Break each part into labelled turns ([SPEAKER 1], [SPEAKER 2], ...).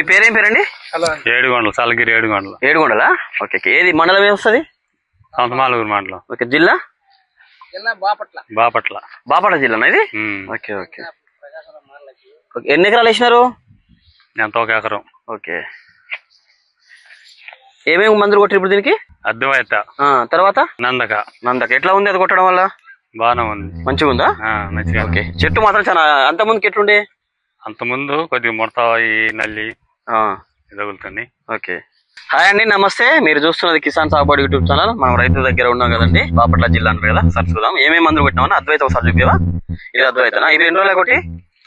[SPEAKER 1] మీ పేరేం పేరండి?
[SPEAKER 2] ఏడుగొండలు, చల్లగిరి ఏడుగొండలు.
[SPEAKER 1] ఏడుగొండలా? ఓకే. ఏది మండలం ఏమొస్తుంది?
[SPEAKER 2] సంతమాలూరు మండలం.
[SPEAKER 1] ఓకే. జిల్లా?
[SPEAKER 2] బాపట్ల.
[SPEAKER 1] బాపట్ల జిల్లానా ఇది? Okay okay. ఎన్ని ఎకరాలు వేసినారు?
[SPEAKER 2] ఎంత, 1 ఎకరం.
[SPEAKER 1] ఓకే. ఏమేమి మందులు కొట్టారు ఇప్పుడు దీనికి?
[SPEAKER 2] అద్వైత,
[SPEAKER 1] తర్వాత
[SPEAKER 2] నందక.
[SPEAKER 1] ఎట్లా ఉంది అది కొట్టడం వల్ల?
[SPEAKER 2] బాగానే ఉంది.
[SPEAKER 1] మంచిగా ఉందా?
[SPEAKER 2] మంచిగా.
[SPEAKER 1] ఓకే. చెట్టు మాత్రం చాలా, అంత ముందుకి ఎట్లుండే?
[SPEAKER 2] అంత ముందు కొద్దిగా ముడత, నల్లి తగులుతుంది.
[SPEAKER 1] ఓకే. హాయ్ అండి, నమస్తే. మీరు చూస్తున్నది కిసాన్ సాగుబడి యూట్యూబ్ ఛానల్. మనం రైతు దగ్గర ఉన్నాం కదండి, బాపట్ల జిల్లా అంటారు కదా. సరే చూద్దాం ఏమేమి మందులు కొట్టినామని. అద్వైత ఒకసారి చూపేవా? ఇది అద్వైతనా? ఇది ఎన్ని రోజులు కొట్టి?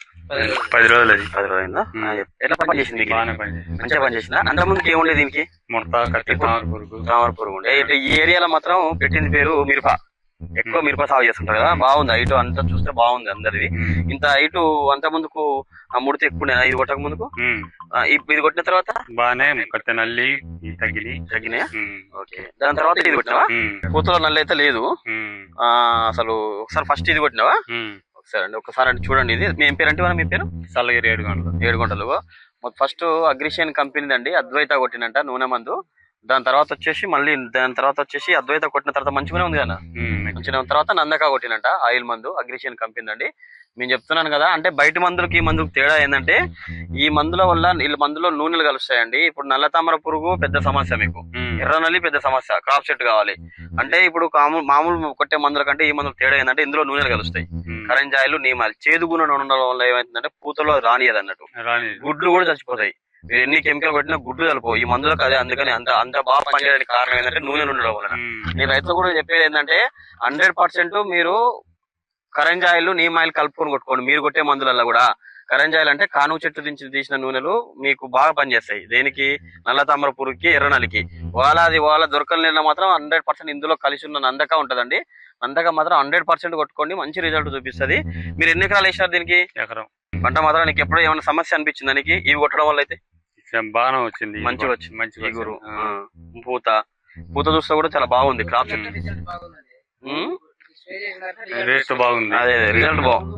[SPEAKER 2] 10 రోజులు.
[SPEAKER 1] 10 రోజులైందా? ఎట్లా పనిచేసింది? మంచిగా పనిచేసిందా? అంత ముందుకి ఏముండే దీనికి?
[SPEAKER 2] ముడత, కట్టి,
[SPEAKER 1] తామర పురుగు ఉండే. ఈ ఏరియాలో మాత్రం పెట్టింది పేరు మిరప. ఎక్కువ మిరప సాగు చేస్తుంటారు కదా. బాగుంది హైటు అంతా చూస్తే, బాగుంది అందరిది. ఇంత హైటు అంత ముందుకు ముడితే ఎక్కువ ఇది కొట్టక ముందుకు, ఇది కొట్టిన తర్వాత
[SPEAKER 2] బాగానే కట్టే నల్లి
[SPEAKER 1] తగ్గినాయా? ఓకే. దాని తర్వాత ఇది కొట్టినావా? పూతలో నల్లి అయితే లేదు అసలు. ఒకసారి ఫస్ట్ ఇది కొట్టినావా? ఒకసారి అండి, ఒకసారి అంటే చూడండి. ఇది మీ పేరు అంటే మీ పేరు?
[SPEAKER 2] చల్లగిరి ఏడుగొండలు.
[SPEAKER 1] ఏడుగొండలు. ఫస్ట్ అగ్రిషియన్ కంపెనీ అండి అద్వైత కొట్టినంట నూనె మందు. దాని తర్వాత వచ్చేసి అద్వైత కొట్టిన తర్వాత మంచిగానే ఉంది కదా. మంచిగా తర్వాత నందక కొట్టినంట ఆయిల్ మందు, అగ్రిషియన్ కంపెనీ అండి. నేను చెప్తున్నాను కదా, అంటే బయట మందులకి ఈ మందుకు తేడా ఏంటంటే, ఈ మందుల వల్ల వీళ్ళ మందులో నూనెలు కలుస్తాయండి. ఇప్పుడు నల్ల తామర పురుగు పెద్ద సమస్య, మీకు ఎర్ర నల్లి పెద్ద సమస్య, క్రాప్ సెట్ కావాలి అంటే. ఇప్పుడు మామూలు కొట్టే మందుల కంటే ఈ మందులు తేడా ఏంటంటే, ఇందులో నూనెలు కలుస్తాయి. కరెంజాయిలు, నీమాలు, చేదుగుణ ఉండడం వల్ల ఏమైతుందంటే పూతలో రానియదు అన్నట్టు, గుడ్లు కూడా చచ్చిపోతాయి. మీరు ఎన్ని కెమికల్ కొట్టినా గుడ్లు కలుపు ఈ మందులకు. అదే అందుకని అంత బాగా పనిచేయడానికి కారణం ఏంటంటే నూనెలు ఉండడం వలన. నేను రైతులు కూడా చెప్పేది ఏంటంటే, 100% మీరు కరెంజాయిలు, నీమాయిల్ కలుపుకొని కొట్టుకోండి. మీరు కొట్టే మందులలో కూడా కరెంజాయిల్ అంటే కానుగ చెట్టు నుంచి తీసిన నూనెలు మీకు బాగా పనిచేస్తాయి. దేనికి? నల్ల తామర పురుగుకి, ఎర్ర నల్లికి. వాళ్ళ దొరకని నీళ్ళ మాత్రం 100% ఇందులో కలిసి ఉన్న నందక ఉంటదండి. నందక మాత్రం 100% కొట్టుకోండి, మంచి రిజల్ట్ చూపిస్తుంది. మీరు ఎన్ని ఎకరాలు వేసినారు దీనికి?
[SPEAKER 2] ఎకరం.
[SPEAKER 1] పంట మాత్రం నీకు ఎప్పుడో ఏమైనా సమస్య అనిపించింది దానికి ఇవి కొట్టడం వల్ల? అయితే
[SPEAKER 2] బాగానే వచ్చింది,
[SPEAKER 1] మంచిగా వచ్చింది. మంచి పూత చూస్తే కూడా చాలా బాగుంది. క్రాప్ సెట్
[SPEAKER 2] బాగుంది.
[SPEAKER 1] అదే రిజల్ట్ బాగుంది.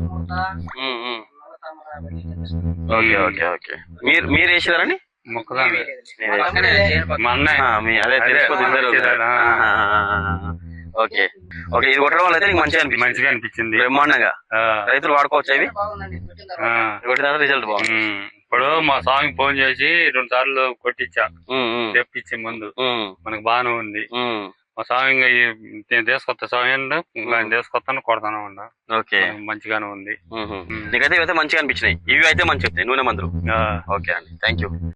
[SPEAKER 1] Okay okay okay. మీరు వేసేదారండి? అదే ఓకే ఓకే. ఇది కొట్టడం వల్ల అయితే నీకు మంచిగా అనిపించింది. బ్రహ్మాండంగా రైతులు వాడుకోవచ్చు ఇవి. రిజల్ట్ బాగుంది.
[SPEAKER 2] ఇప్పుడు మా స్వామికి ఫోన్ చేసి 2 సార్లు కొట్టించా, తెప్పించి ముందు. మనకు బాగానే ఉంది. మా స్వామి నేను తీసుకొస్తా, స్వామి తీసుకొస్తాను, కొడతాను ఉన్నా.
[SPEAKER 1] ఓకే,
[SPEAKER 2] మంచిగానే ఉంది.
[SPEAKER 1] నీకైతే ఇవైతే మంచిగా అనిపించినాయి. ఇవి అయితే మంచిగా నూనె మందులు. ఓకే అండి, థ్యాంక్ యూ.